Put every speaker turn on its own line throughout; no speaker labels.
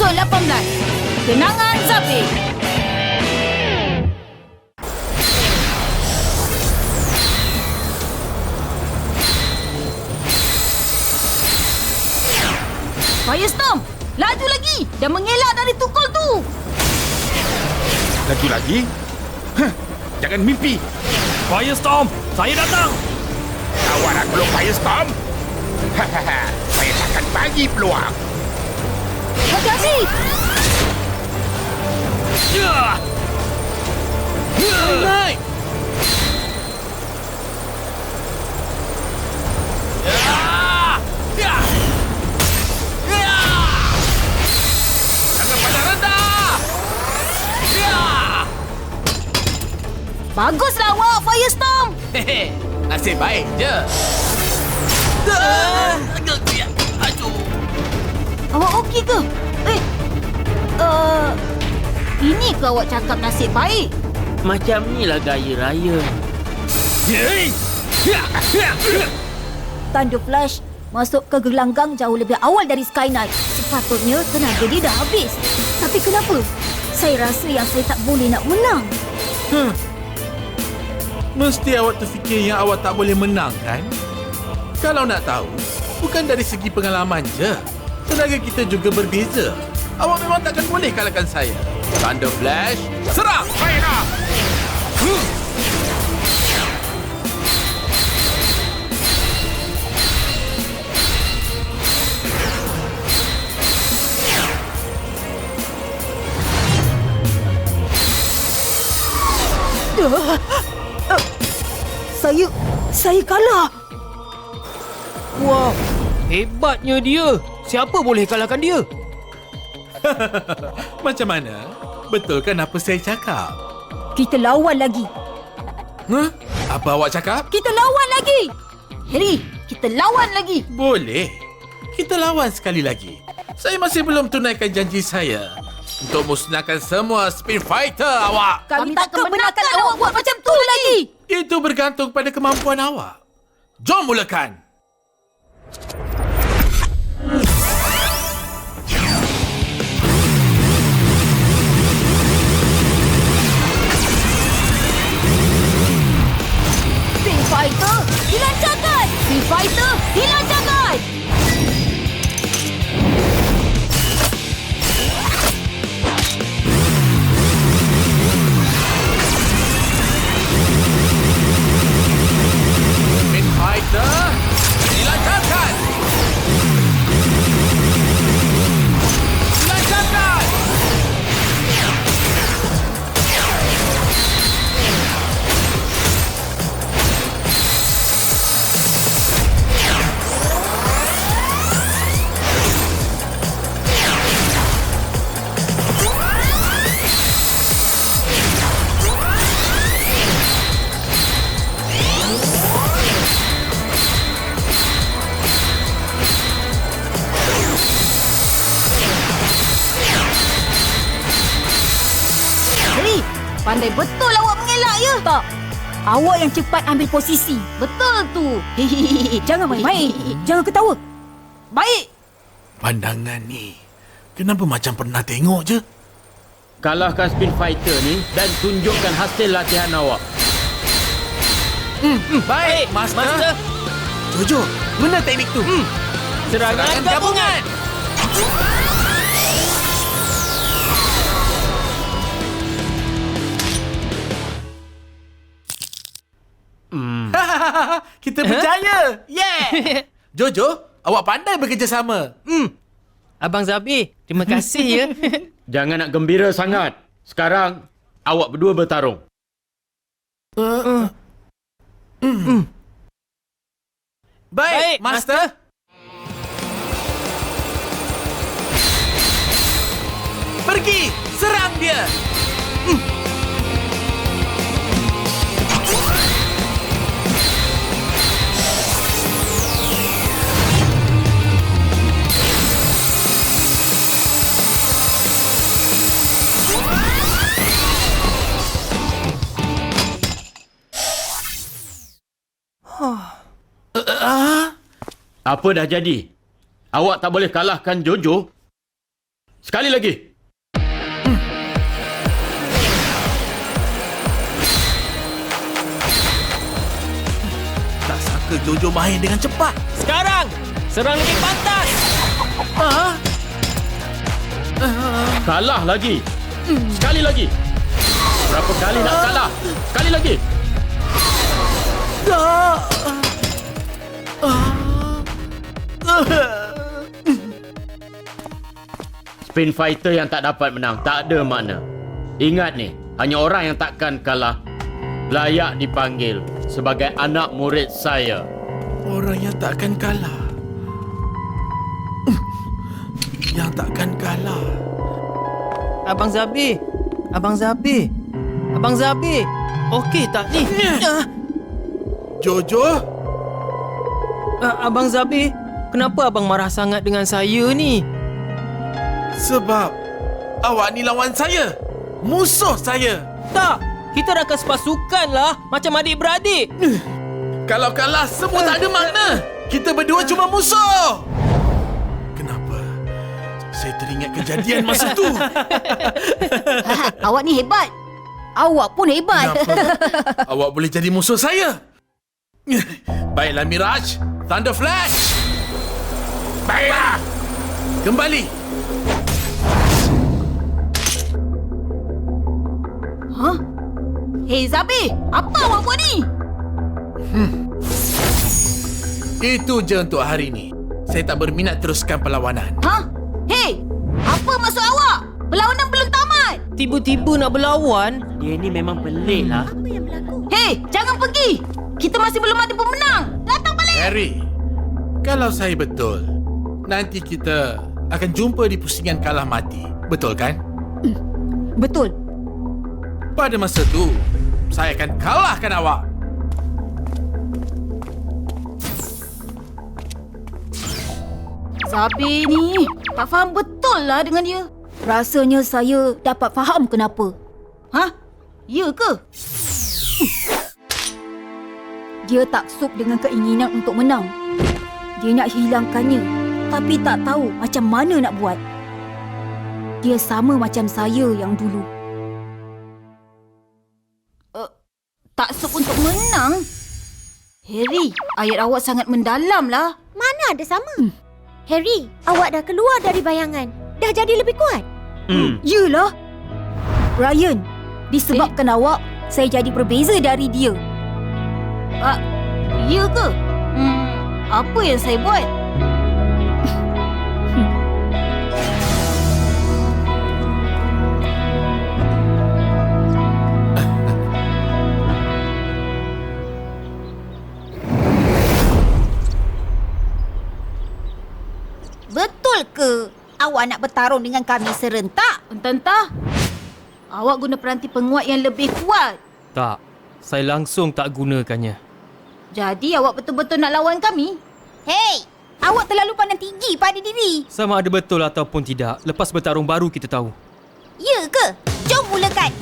Episod 18, Kenangan Zapin. Firestorm, laju lagi dan mengelak dari tukul tu.
Laju lagi? Jangan mimpi.
Firestorm, saya datang.
Kawaran belum Firestorm? Saya takkan bagi peluang.
Hati-hati.
Naik.
Jangan pandang rendah.
Baguslah awak, Firestorm.
Nasib baik je. Aduh.
Awak okey ke? Ini ke awak cakap nasib baik?
Macam ni lah gaya raya.
Thunder Flash masuk ke gelanggang jauh lebih awal dari Sky Knight. Sepatutnya tenaga dia dah habis. Tapi kenapa? Saya rasa yang saya tak boleh nak menang.
Mesti awak terfikir yang awak tak boleh menang, kan? Kalau nak tahu, bukan dari segi pengalaman je. Tenaga kita juga berbeza. Awak memang takkan boleh kalahkan saya. Thunder Flash, serang!
Baiklah.
Saya kalah.
Wah, hebatnya dia. Siapa boleh kalahkan dia?
Macam mana? Betul kan apa saya cakap?
Kita lawan lagi.
Apa awak cakap?
Kita lawan lagi. Harry, kita lawan lagi.
Boleh. Kita lawan sekali lagi. Saya masih belum tunaikan janji saya untuk musnahkan semua Spin Fighter awak.
Kami takkan benarkan awak buat macam tu lagi.
Itu bergantung pada kemampuan awak. Jom mulakan.
Spin Fighter, dilancarkan. Spin Fighter, dilancarkan.
Spin Fighter, dilancarkan. Dilancarkan.
Harry, pandai betul awak mengelak ya? Tak. Awak yang cepat ambil posisi. Betul tu. Jangan main-main. Jangan ketawa. Baik.
Pandangan ni, kenapa macam pernah tengok je?
Kalahkan Spin Fighter ni dan tunjukkan hasil latihan awak. Baik, Master.
Jojo, mana teknik tu?
Serangan gabungan.
Kita berjaya. Yeah. Jojo, awak pandai bekerjasama.
Abang Zabi, terima kasih ya.
Jangan nak gembira sangat. Sekarang, awak berdua bertarung.
Baik, Master. Pergi, serang dia.
Apa dah jadi? Awak tak boleh kalahkan Jojo? Sekali lagi.
Tak sangka Jojo main dengan cepat.
Sekarang, serang lebih pantas.
Kalah lagi. Sekali lagi. Berapa kali nak kalah? Sekali lagi. Spin fighter yang tak dapat menang tak ada makna. Ingat ni, hanya orang yang takkan kalah layak dipanggil sebagai anak murid saya.
Orang yang takkan kalah. Yang takkan kalah.
Abang Zabi. Abang Zabi. Abang Zabi. Okey tak ni?
Jojo?
Abang Zabi, kenapa abang marah sangat dengan saya ni?
Sebab awak ni lawan saya. Musuh saya.
Tak, kita dah sepasukan lah. Macam adik-beradik.
Kalau kalah, semua tak ada makna. Kita berdua cuma musuh. Kenapa? Saya teringat kejadian masa tu.
Awak ni hebat. Awak pun hebat.
Kenapa? Awak boleh jadi musuh saya. Baiklah Miraj. Thunder Flash.
Baiklah.
Kembali.
Hah? Hei Zabi, apa awak buat ni?
Itu je untuk hari ini. Saya tak berminat teruskan perlawanan.
Hah? Hei, apa maksud awak? Perlawanan belum tamat.
Tiba-tiba nak berlawan.
Dia ni memang pelik lah.
Hei, jangan pergi. Kita masih belum ada pemenang. Datang balik.
Harry, kalau saya betul, nanti kita akan jumpa di pusingan kalah mati. Betul kan?
Betul.
Pada masa tu, saya akan kalahkan awak.
Zabi ni tak faham betul lah dengan dia. Rasanya saya dapat faham kenapa. Hah? Ya ke? Dia taksub dengan keinginan untuk menang. Dia nak hilangkannya, tapi tak tahu macam mana nak buat. Dia sama macam saya yang dulu. Taksub untuk menang? Harry, ayat awak sangat mendalam lah.
Mana ada sama? Harry, awak dah keluar dari bayangan. Dah jadi lebih kuat.
Yelah. Ryan, disebabkan awak, saya jadi berbeza dari dia. Ya ke? Apa yang saya buat?
Betul ke awak nak bertarung dengan kami serentak?
Entah-entah. Awak guna peranti penguat yang lebih kuat.
Tak, saya langsung tak gunakannya.
Jadi awak betul-betul nak lawan kami?
Hei, awak terlalu pandang tinggi pada diri.
Sama ada betul ataupun tidak, lepas bertarung baru kita tahu.
Ya ke? Jom mulakan.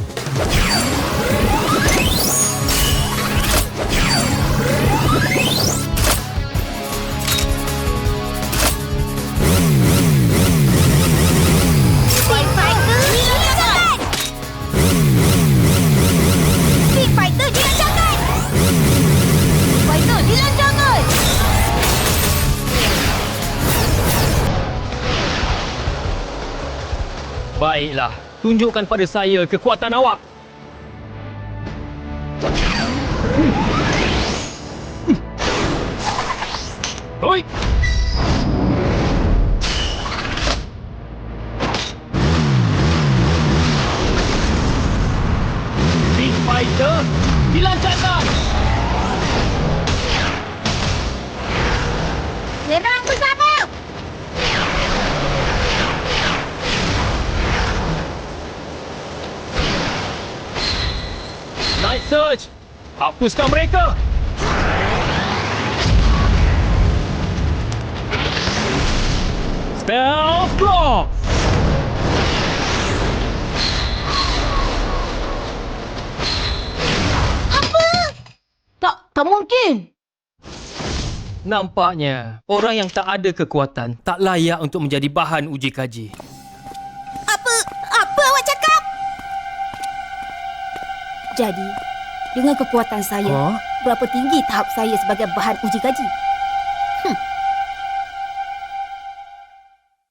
Speed Fighter dilancarkan! Speed Fighter dilancarkan!
Fighter, dilancarkan!
Baiklah, tunjukkan pada saya kekuatan awak. Oi! Speed Fighter dilancarkan!
Serang bersama!
Night Surge! Hapuskan mereka! Spell Block!
Tak mungkin.
Nampaknya, orang yang tak ada kekuatan tak layak untuk menjadi bahan uji kaji.
Jadi, dengan kekuatan saya, berapa tinggi tahap saya sebagai bahan uji kaji?